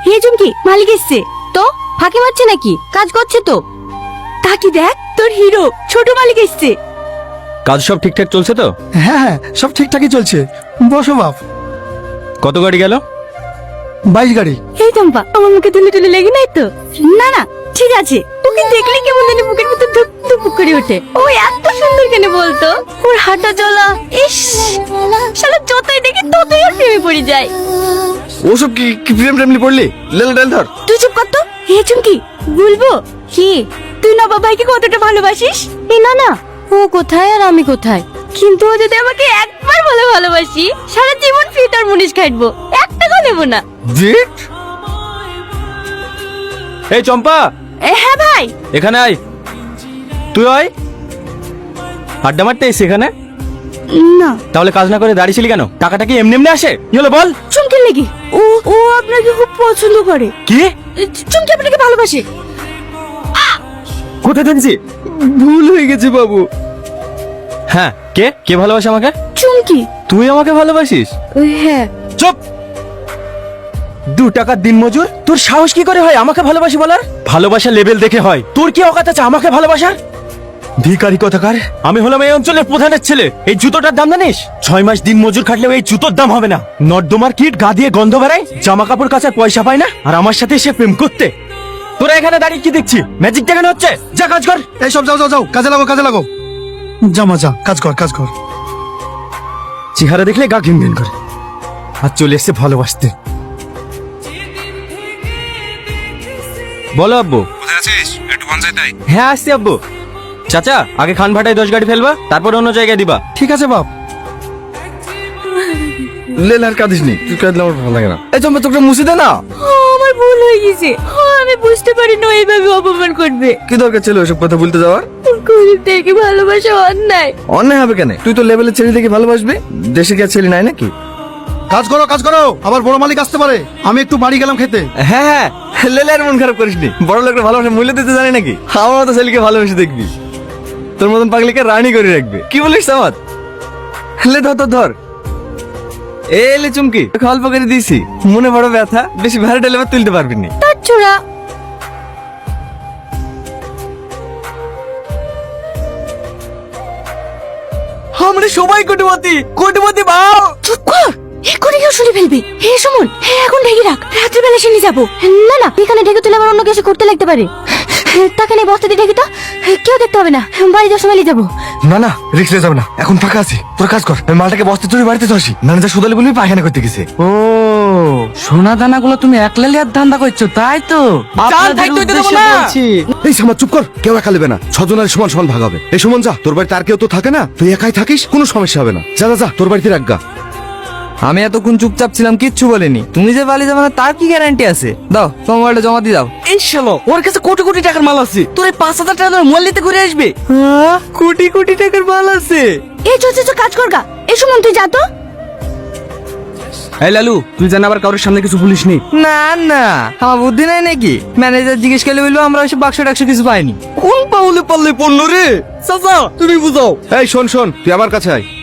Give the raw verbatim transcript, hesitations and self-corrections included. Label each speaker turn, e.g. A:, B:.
A: হে চুমকি, মালিক এসছে। তো ফাঁকি মারছে নাকি? কাজ করছে তো। তাকি দেখ, তোর হিরো ছোট মালিক এসছে।
B: কাজ সব ঠিকঠাক চলছে তো?
C: হ্যাঁ হ্যাঁ, সব ঠিকঠাকই চলছে। বসো বাপ।
B: কত গাড়ি গেল?
C: বাইশ গাড়ি।
A: এই চম্পা, আমার মুখে তুলে তুলে লেগে নাই তো? না না, ঠিক আছে। ওকে দেখলে কেমন জানি বুকের ভিতর ধুক ধুক করে ওঠে। ও এত সুন্দর কেন বলতো? ওর হাঁটা চলা, ইস, শালা যতই দেখি ততই আর প্রেমে পড়ে যায়।
B: ওসব কি কি প্রেম প্রেমলি পড়লি? লেল ডাল ধর।
A: তুই চুপ কর তো। হে চুমকি, বলবো কি তুই নবাব ভাইকে কতটা ভালোবাসিস? এ না না, ও কোথায় আর আমি কোথায়? কিন্তু ও যদি আমাকে একবার বলে ভালোবাসি, সারা জীবন ফিটার মুনিশ খাটবো, এক টাকা নেবো না।
B: জিট। এই চম্পা,
A: এ, হ্যাঁ ভাই।
B: এখানে আয়। তুই আয়। আড্ডা মারতে এসে এখানে?
A: না,
B: তাহলে কাজ না করে দাঁড়িয়েছিলি কেন? টাকাটা কি এমনি এমনি আসে? কি হলো বল?
A: চুমকির লেগে। ও ও আপনাকে খুব পছন্দ করে।
B: কি?
A: চুমকি আপনাকে ভালোবাসে।
B: কোথায় থাকছি? ভুল হয়ে গেছে বাবু। হ্যাঁ, কে কে ভালোবাসে আমাকে?
A: চুমকি।
B: তুই আমাকে ভালোবাসিস?
A: হ্যাঁ।
B: চুপ। দু টাকার দিন মজুর, তোর সাহস কি করে হয় আমাকে ভালোবাসি বলার? ভালোবাসা লেভেল দেখে হয়। তোর কি অকাত আছে আমাকে ভালোবাসার? ভিখারি কথাকার। আমি হলাম এই অঞ্চলের প্রধানের ছেলে। এই জুতোটার দাম জানিস? ছয় মাস দিন মজুর খাটলেও এই জুতোর দাম হবে না। নর্দমার কিট গা দিয়ে গন্ধ বেড়ায়, জামা কাপড় কাচার পয়সা পায় না, আর আমার সাথে এসে প্রেম করতে। তোরা এখানে দাঁড়িয়ে কি দেখছি? ম্যাজিক দেখানো হচ্ছে? যা কাজ কর।
C: এই সব যাও যাও যাও, কাজে লাগো কাজে লাগো। জামা যা, কাজ কর কাজ কর।
B: চেহারা দেখলে গা ঘিন ঘিন করে। আর চলে এসছে ভালোবাসতে। বলো আব্বু।
D: কোথায় আছিস? একটু পঞ্চায়েত আয়।
B: হ্যাঁ আসছি আব্বু। চাচা, আগে খান ভাটায় দশ গাড়ি ফেলবা, তারপর অন্য জায়গায় দিবা।
C: ঠিক আছে বাপ।
B: লেল আর কাঁদিস নি, তুই কাঁদলে আমার ভালো লাগে না। এই চম্পা, তোকে মুছে দে না।
A: আমার ভুল হয়ে গেছে। আমি বুঝতে পারি না এইভাবে অপমান করবে।
B: কি দরকার ছিল ওসব কথা বলতে যাওয়ার?
A: গরিব থেকে ভালোবাসা অন্যায়।
B: অন্যায় হবে কেন? তুই তো লেভেলের ছেলে দেখে ভালোবাসবি। দেশে কি আর ছেলে নাই নাকি?
C: কাজ করো কাজ করো, আবার বড় মালিক আসতে পারে। আমি একটু বাড়ি গেলাম খেতে।
B: হ্যাঁ হ্যাঁ, লেলে আর মন খারাপ করিসনি। বড় লোকের ভালোবাসা মূল্য দিতে জানি নাকি? আমার মতো ছেলেকে ভালোবেসে দেখবি, তোর মতন পাগলিকে রানী করে রাখবে। কি বলিস সামাদ? লে ধর ধর ধর। এলে চুমকি, অল্প করে দিয়েছি, মনে বড় ব্যথা, বেশি ভারী ডালে তুলতে পারবি না।
A: তার ছোড়া।
B: আমরা সবাই কোটিপতি, কোটিপতি বাও।
A: চুপ কর, এক্ষুনি কেউ শুনে ফেলবে। হে সুমন, হে এখন ঢেকে রাখ, রাত্রিবেলা শুনে যাবো। না না, এখানে ঢেকে তুলে আবার অন্য কিছু করতে লাগতে পারে। তাকে নিয়ে বস্তা দিয়ে ঢেকে তো কেউ দেখতে হবে না। বাড়ি যাওয়ার সময় নিয়ে যাবো।
B: না না, রিক্স নিয়ে যাবে না, এখন ফাঁকা আছে। তোর কাজ কর, আমি মালটাকে বস্তা তুলে বাড়িতে তো আসি। ম্যানেজার সুদালি বলবি পায়খানা করতে গেছে।
E: ও, সোনা দানা গুলো তুমি একলা লিয়ার ধান্দা করছো, তাই তো? আপনাদের উদ্দেশ্যে বলছি।
F: এই সামা চুপ কর, কেউ একা নেবে না, ছজনের সমান সমান ভাগ হবে। এই সুমন যা, তোর বাড়িতে আর কেউ তো থাকে না, তুই একাই থাকিস, কোনো সমস্যা হবে না। যা যা যা, তোর বাড়িতে রাখগা।
E: আমি এতক্ষণ চুপচাপ ছিলাম, কিচ্ছু বলিনি। তুমি যে বালি যাবে না তার কি গ্যারান্টি আছে? দাও তোমার মোবাইলটা জমা দিয়ে দাও। এই শালো, ওর কাছে কোটি কোটি টাকার মাল আছে, তোর এই পাঁচ হাজার টাকার মোবাইল নিতে ঘুরে আসবে। হ্যাঁ, কোটি কোটি টাকার মাল আছে।
A: এই চো চো চো, কাজ কর গা। এই সুমন তুই যা তো।
E: এই লালু, তুই জান আবার কারোর সামনে কিছু বলিস নি। না না, আমার বুদ্ধি নাই নাকি? ম্যানেজার জিজ্ঞেস করলে বলবো আমরা ওইসব বাক্স টাক্স কিছু পাইনি।
B: কোন পাউলে পাল্লে পড়লো রে? চাচা, তুমি বুঝাও।
F: এই শোন শোন, তুই আমার কাছে আয়।